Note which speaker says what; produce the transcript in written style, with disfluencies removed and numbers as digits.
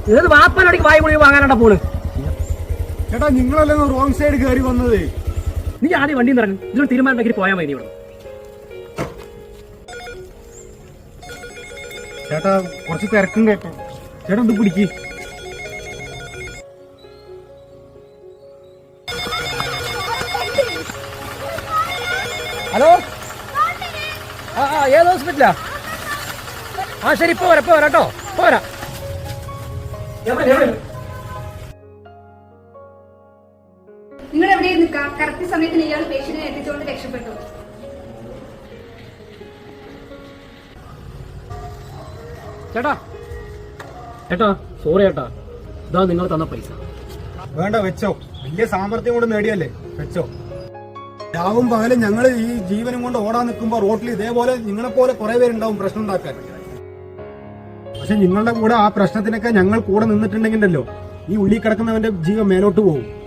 Speaker 1: ഏത് വാപ്പനടിക്ക് വായി മുഴുവൻ വാങ്ങാനാ പോണ്?
Speaker 2: ചേട്ടാ നിങ്ങളല്ലേ റോങ് സൈഡ് കയറി വന്നത്.
Speaker 1: നീ ആദ്യം വണ്ടി ഇറങ്ങി ഇതിനൊരു തീരുമാനം ഉണ്ടാക്കി പോയാൽ മതി. ഇവിടെ
Speaker 2: ചേട്ടാ കുറച്ച് തിരക്കും കേട്ടോ. ചേട്ടാ ഒന്ന് പിടിക്ക്.
Speaker 1: ഹലോ, ഏത് ഹോസ്പിറ്റലാ? ശരി, ഇപ്പൊ വരാം കേട്ടോ, പോരാ.
Speaker 3: നിങ്ങൾ എവിടെ നിൽക്കാം? കറക്റ്റ് സമയത്തിന് ഇയാൾ പേഷ്യന്റിനെ എത്തിച്ചുകൊണ്ട് രക്ഷപ്പെട്ടു.
Speaker 1: ചേട്ടാ സോറി ചേട്ടാ, ഇതാ നിങ്ങൾ തന്ന പൈസ.
Speaker 2: വേണ്ട, വെച്ചോ. വലിയ സാമർത്ഥ്യം കൊണ്ട് നേടിയല്ലേ, വെച്ചോ. രാവും പകലും ഞങ്ങൾ ഈ ജീവനും കൊണ്ട് ഓടാൻ നിൽക്കുമ്പോ റോട്ടിൽ ഇതേപോലെ നിങ്ങളെപ്പോലെ കുറെ പേരുണ്ടാവും പ്രശ്നം ഉണ്ടാക്കാൻ. പക്ഷെ നിങ്ങളുടെ കൂടെ ആ പ്രശ്നത്തിനൊക്കെ ഞങ്ങൾ കൂടെ നിന്നിട്ടുണ്ടെങ്കിലല്ലോ ഈ ഉള്ളിൽ കിടക്കുന്നവന്റെ ജീവൻ മേലോട്ട് പോകും.